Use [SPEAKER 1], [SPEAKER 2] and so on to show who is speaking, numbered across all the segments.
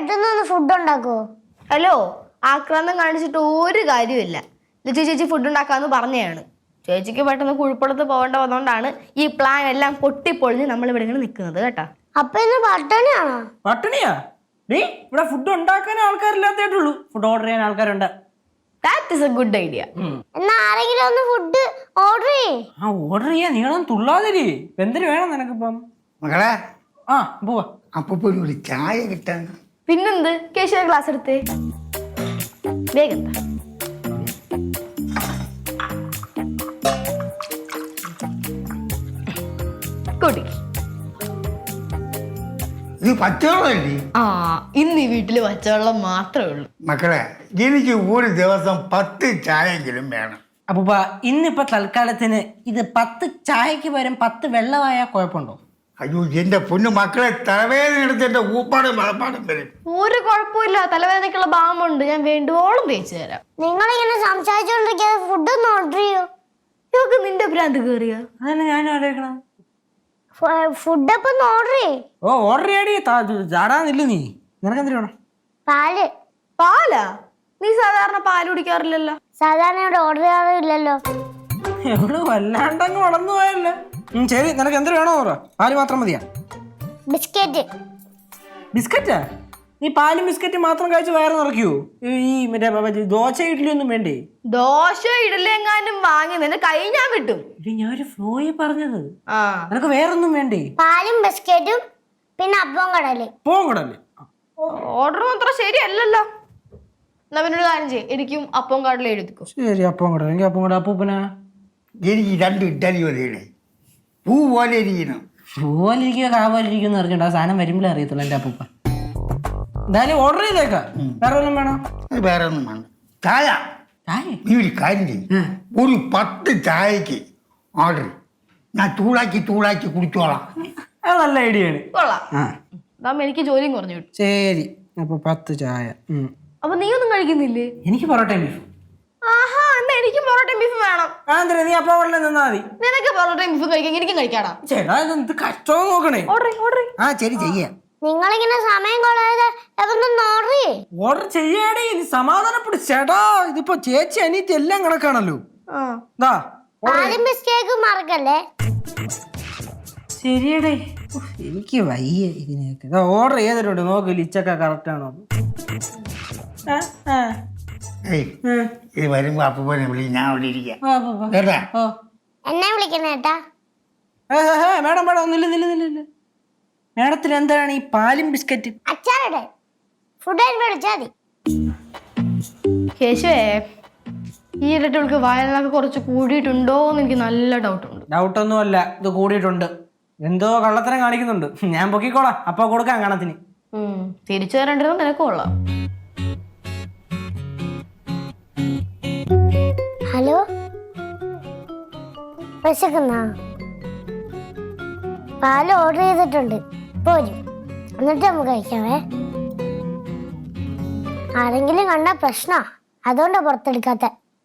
[SPEAKER 1] അടുത്തുനിന്ന് ഫുഡ് ഉണ്ടാക്കുവോ?
[SPEAKER 2] ഹലോ, ആക്രാന്തം കാണിച്ചിട്ട് ഒരു കാര്യമില്ല. ചേച്ചി ഫുഡ് ഉണ്ടാക്കാന്ന് പറഞ്ഞതാണ്. ചേച്ചിക്ക് പെട്ടെന്ന് കുഴിപ്പുറത്ത് പോകേണ്ട വന്നോണ്ടാണ് ഈ പ്ലാൻ എല്ലാം പൊട്ടിപ്പൊളിഞ്ഞ് നമ്മൾ ഇവിടെ ഇങ്ങനെ നിൽക്കുന്നത് കേട്ടാ.
[SPEAKER 1] അപ്പൊ ഇന്ന് പട്ടിണിയാണോ?
[SPEAKER 3] പട്ടിണിയാ? നീ ഇവിടെ ഫുഡ് ഉണ്ടാക്കാൻ ആൾക്കാരില്ലാത്തേട്ടുള്ളൂ, ഫുഡ് ഓർഡർ ചെയ്യാൻ ആൾക്കാരുണ്ട്.
[SPEAKER 2] That is a good idea.
[SPEAKER 1] എന്നാ ആരെങ്കിലും ഒന്ന് ഫുഡ് ഓർഡർ ചെയ്യേ.
[SPEAKER 3] ആ ഓർഡർ ചെയ്യാൻ നീളൊന്നും തുള്ളാതിരി. എന്തിനു വേണം നിനക്കിപ്പം?
[SPEAKER 4] മകളെ
[SPEAKER 3] ആ പോവാ.
[SPEAKER 4] അപ്പൊ ഒരു ചായ കിട്ടാൻ.
[SPEAKER 2] പിന്നെന്ത്, കേശവ ഗ്ലാസ് എടുത്തേ വേഗം.
[SPEAKER 4] ഇത് പച്ചവെള്ളമല്ലേ?
[SPEAKER 2] ആ, ഇന്ന് ഈ വീട്ടില് പച്ചവെള്ളം മാത്രമേ ഉള്ളൂ.
[SPEAKER 4] മക്കളെ, എനിക്ക് ഒരു ദിവസം 10 ചായെങ്കിലും വേണം.
[SPEAKER 3] അപ്പൂപ്പ ഇന്നിപ്പോ തൽക്കാലത്തിന് ഇത് 10 ചായക്ക് പകരം 10 വെള്ളമായാ കുഴപ്പമുണ്ടോ?
[SPEAKER 4] അയ്യോ, എന്റെ പൊന്നു മക്കളെ, തലവേദന എടുത്ത് എന്റെ ഊപ്പാടും വളപ്പാടും വരും.
[SPEAKER 2] ഒരു കുഴപ്പമില്ല, തലവേദനക്കുള്ള ബാമുണ്ട്, ഞാൻ വേണ്ടുവോളം തേച്ചു തരാം.
[SPEAKER 1] നിങ്ങളിങ്ങനെ സംസാരിച്ചോണ്ടിരിക്കാതെ ഫുഡ് ഒന്ന് ഓർഡർ ചെയ്യോ.
[SPEAKER 2] ഇവക്ക് നിന്റെ ഭ്രാന്ത് കയറിയ?
[SPEAKER 3] അതന്നെ ഞാനും ആലോചിക്കണം.
[SPEAKER 1] ഫുഡ് അപ്പൊ ഒന്ന് ഓർഡർ ചെയ്യേ.
[SPEAKER 3] ഓ ഓർഡർ ചെയ്യാടി, ചാടാന്നില്ല നീ. നിനക്ക് എന്തിനു വേണം?
[SPEAKER 1] പാല്.
[SPEAKER 2] പാലാ? നീ സാധാരണ പാല് കുടിക്കാറില്ലല്ലോ.
[SPEAKER 1] സാധാരണ ഇവിടെ ഓർഡർ ചെയ്യാറില്ലല്ലോ.
[SPEAKER 3] എവിടെ വല്ലാണ്ടങ്ങ് വളർന്നു പോയല്ലേ. ശരി, നിനക്ക് എന്തിനു വേണോ പറ. പാല് മാത്രം മതിയാ?
[SPEAKER 1] ബിസ്ക്കറ്റ്.
[SPEAKER 3] ബിസ്ക്കറ്റാ? നീ പാലും ബിസ്ക്കറ്റും മാത്രം കഴിച്ച് വയറ് നിറയ്ക്കുവോ? ഈ മറ്റേ ദോശ ഇഡ്ഡലി ഒന്നും വേണ്ടേ?
[SPEAKER 2] ദോശ ഇഡലി എങ്ങാനും വാങ്ങി നിന്നെ കൈ ഞാൻ വിട്ടും.
[SPEAKER 3] ഞാനൊരു ഫ്ലോയി പറഞ്ഞത്.
[SPEAKER 2] ആ,
[SPEAKER 3] നിനക്ക് വേറൊന്നും വേണ്ടേ?
[SPEAKER 1] പാലും ബിസ്ക്കറ്റും പിന്നെ അപ്പം കടല്.
[SPEAKER 3] പോകടല്ലേ?
[SPEAKER 2] ഓർഡർ മാത്രം ശരിയല്ലല്ലോ. എന്നാ പിന്നൊരു കാര്യം ചെയ്യും, എനിക്കും അപ്പം കടല എഴുതിക്കോ.
[SPEAKER 3] ശരി, അപ്പം കട. എനിക്ക് അപ്പം കട. അപ്പൂപ്പനാ?
[SPEAKER 4] എനിക്ക് 2 ഇഡ്ഡലി മതിയുടെ. പൂ പോലെ ഇരിക്കണം.
[SPEAKER 3] പൂവലിരിക്കുക കാവലിരിക്കുക എന്ന് അറിഞ്ഞിട്ട് ആ സാധനം വരുമ്പോഴേ അറിയത്തുള്ളൂ എൻ്റെ അപ്പൂപ്പ. എന്തായാലും ഓർഡർ ചെയ്തേക്കാം. വേറെ വല്ലതും വേണോ?
[SPEAKER 4] അത് വേറെ ഒന്നും വേണ്ട. ചായ നീ ഒരു കാര്യം ചെയ്യും, ഒരു 10 ചായക്ക് ഓർഡർ. ഞാൻ ചൂടാക്കി കുടിച്ചോളാം.
[SPEAKER 3] അത് നല്ല ഐഡിയ ആണ്.
[SPEAKER 2] കൊള്ളാം. അതാകുമ്പോ എനിക്ക് ജോലിയും കുറഞ്ഞു കിട്ടും.
[SPEAKER 3] ശരി, അപ്പൊ 10 ചായ.
[SPEAKER 2] അപ്പൊ നീ ഒന്നും കഴിക്കുന്നില്ലേ?
[SPEAKER 3] എനിക്ക് പൊറോട്ടയും ബീഫ്.
[SPEAKER 2] ആഹാ, എന്നാ എനിക്കും പൊറോട്ടയും ബീഫ് വേണം.
[SPEAKER 3] നീ അപ്പൊ ഉടനെ നിന്നാ മതി.
[SPEAKER 2] നിനക്ക് പൊറോട്ടയും ബീഫും കഴിക്കാൻ എനിക്കും കഴിക്കാടാ.
[SPEAKER 3] ചേട്ടാ, ഇത് കഷ്ടം നോക്കണേ.
[SPEAKER 2] ഓർഡർ.
[SPEAKER 3] ആ ശരി, ചെയ്യാം.
[SPEAKER 1] നിങ്ങളിങ്ങനെ സമയം കളയാതെ എവന്നൊന്ന് ഓർഡർ ചെയ്യേ.
[SPEAKER 3] ഓർഡർ ചെയ്യാടേ, നീ സമാധാനപ്പെടും. ചേട്ടാ, ഇതിപ്പോ ചേച്ചി അനിയത്തി എല്ലാം കണക്കാണല്ലോ.
[SPEAKER 1] പാലും ബിസ്ക്കറ്റും മറക്കല്ലേ.
[SPEAKER 3] ശരിയടേ, എനിക്ക് വയ്യ ഇതിനൊക്കെ. ഓർഡർ ചെയ്തിട്ടുണ്ട്, നോക്ക് ലിച്ചൊക്കെ കറക്റ്റ് ആണോ?
[SPEAKER 4] ഇത് വരുമ്പോ അപ്പൂപ്പനെ വിളി, ഞാൻ അവിടെ ഇരിക്കാം കേട്ടാ.
[SPEAKER 1] എന്നെ വിളിക്കണേ ഏട്ടാ.
[SPEAKER 3] മേഡം മേഡം ഒന്നില്ല. മേഡത്തിന് എന്താണ് ഈ പാലും ബിസ്ക്കറ്റ്?
[SPEAKER 1] അച്ചാറടെ ഫുഡ് വിളിച്ചാ മതി.
[SPEAKER 2] കേശുവേ, ഈ ഇരട്ടകൾക്ക് വയറിനൊക്കെ കുറച്ച് കൂടിയിട്ടുണ്ടോ എന്ന് എനിക്ക് നല്ല ഡൗട്ടുണ്ട്.
[SPEAKER 3] ഡൗട്ടൊന്നുമല്ല, ഇത് കൂടിയിട്ടുണ്ട്. എന്തോ കള്ളത്തരം കാണിക്കുന്നുണ്ട്. ഞാൻ പൊക്കിക്കോളാം, അപ്പൊ കൊടുക്കാം കണത്തിന്.
[SPEAKER 2] തിരിച്ചു തരേണ്ടത് നിനക്ക് കൊള്ളാം.
[SPEAKER 1] ഹലോ, വിശക്കുന്നാ? പാല് ഓർഡർ ചെയ്തിട്ടുണ്ട്, പോരും. എന്നിട്ട് നമുക്ക് കഴിക്കാവേ. ആരെങ്കിലും കണ്ട പ്രശ്നാ, അതുകൊണ്ടാ പുറത്തെടുക്കാത്ത.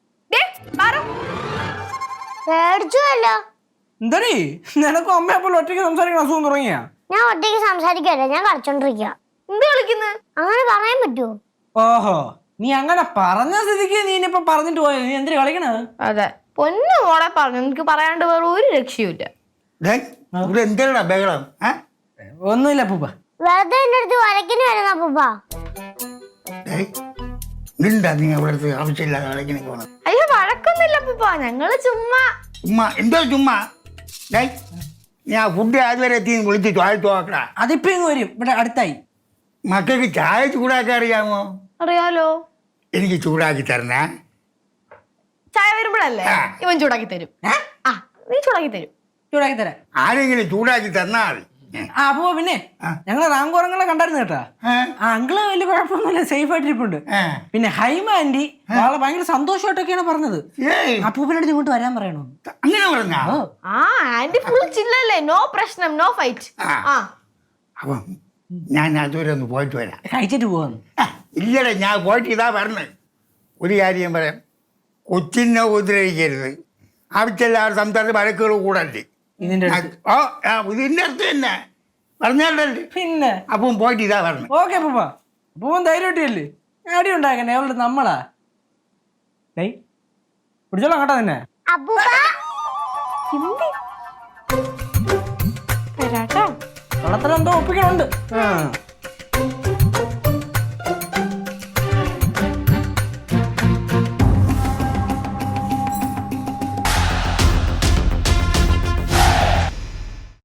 [SPEAKER 1] പേടിച്ചുവല്ലോ.
[SPEAKER 3] എന്താണീ നിനക്കും അമ്മയപ്പോൾ ഒറ്റയ്ക്ക് സംസാരിക്കണം അസുഖം തുടങ്ങിയാ?
[SPEAKER 1] ഞാൻ ഒറ്റയ്ക്ക് സംസാരിക്കല്ലേ, ഞാൻ കളിച്ചോണ്ടിരിക്കുക.
[SPEAKER 2] എന്ത് കളിക്കുന്നത്?
[SPEAKER 1] അങ്ങനെ പറയാൻ പറ്റുമോ?
[SPEAKER 3] ഓഹോ, നീ അങ്ങനെ പറഞ്ഞ സ്ഥിതിക്ക് നീ ഇനിയിപ്പൊ പറഞ്ഞിട്ട് പോയത്. നീ എന്തിനു കളിക്കണത്?
[SPEAKER 2] അതെ, പൊന്നു മോളെ പറഞ്ഞു, എനിക്ക് പറയാണ്ട് വേറെ ഒരു രക്ഷയുമില്ല.
[SPEAKER 4] എന്താ ബഹളം?
[SPEAKER 3] ഒന്നുമില്ല പൂപ്പ,
[SPEAKER 1] വെറുതെ എന്റെ അടുത്ത് വരക്കിന് വരുന്ന പൂപ്പാ.
[SPEAKER 4] എന്താ നീ അവിടുത്തെ ആവശ്യമില്ലാതെ കളിക്കണ പോണം?
[SPEAKER 2] അയ്യോ, വഴക്കൊന്നുമില്ല പൂപ്പ, ഞങ്ങള് ചുമ്മാ.
[SPEAKER 4] എന്തോ ചുമ്മാ? ഞാൻ ഫുഡ് അതുവരെ എത്തി വിളിച്ച് ചോദിച്ചു നോക്കടാ.
[SPEAKER 3] അതിപ്പോ ഇങ്ങ് വരും, ഇവിടെ അടുത്തായി.
[SPEAKER 4] മക്കൾക്ക് ചായ ചൂടാക്കാൻ അറിയാമോ?
[SPEAKER 2] അറിയാലോ.
[SPEAKER 4] എനിക്ക് ചൂടാക്കി തരണേ.
[SPEAKER 2] ചായ വരുമ്പോഴല്ലേ ഇവൻ ചൂടാക്കി തരും. നീ ചൂടാക്കി തരും.
[SPEAKER 3] ചൂടാക്കി തരാം.
[SPEAKER 4] ആരെങ്കിലും ചൂടാക്കി തന്നാ മതി.
[SPEAKER 3] ആ അപ്പോ പിന്നെ ഞങ്ങള് റാങ്കോറങ്ങളെ കണ്ടായിരുന്നു കേട്ടാ. ആ അങ്കിള് വലിയ കുഴപ്പമൊന്നുമില്ല, സേഫ് ആയിട്ടിരിപ്പുണ്ട്. പിന്നെ ഹൈമ ആന്റി ആളെ ഭയങ്കര സന്തോഷമായിട്ടൊക്കെയാണ് പറഞ്ഞത്. അപ്പൂപ്പനടുത്ത് ഇങ്ങോട്ട് വരാൻ പറയണോ?
[SPEAKER 4] അങ്ങനെ പറഞ്ഞോ?
[SPEAKER 2] ആ ആന്റി ഫുൾ ചില്ലല്ലേ, നോ പ്രശ്നം, നോ ഫൈറ്റ്.
[SPEAKER 4] അപ്പം ഞാൻ അതുവരെ ഒന്ന് പോയിട്ട് വരാം.
[SPEAKER 3] കഴിച്ചിട്ട് പോവാന്ന്?
[SPEAKER 4] ഇല്ലടേ, ഞാൻ പോയിട്ട് ഇതാ പറഞ്ഞത്. ഒരു കാര്യം പറയാം, കൊച്ചിനെ ഉപദ്രവിക്കരുത്. ആവശ്യമില്ലാതെ സംസാരിച്ച് വഴക്കുകൾ കൂടല്ലേ.
[SPEAKER 3] ഇതിന്റെ
[SPEAKER 4] ഇതിന്റെ അടുത്ത് തന്നെ പറഞ്ഞാലല്ലേ.
[SPEAKER 3] പിന്നെ
[SPEAKER 4] അപ്പം പോയിട്ട് ഇതാ പറഞ്ഞു.
[SPEAKER 3] ഓക്കെ പൂപ്പ. അപ്പൂപ്പൻ ധൈര്യമായിട്ടില്ലേ അടി ഉണ്ടാക്കണേ അവളുടെ നമ്മളാ ഡേയ് പിടിച്ചോളാം കേട്ടോ തന്നെ
[SPEAKER 1] അപ്പൂപ്പ
[SPEAKER 2] വരാട്ടോ
[SPEAKER 3] വെള്ളത്തിലെന്തോ ഒപ്പിക്കണുണ്ട്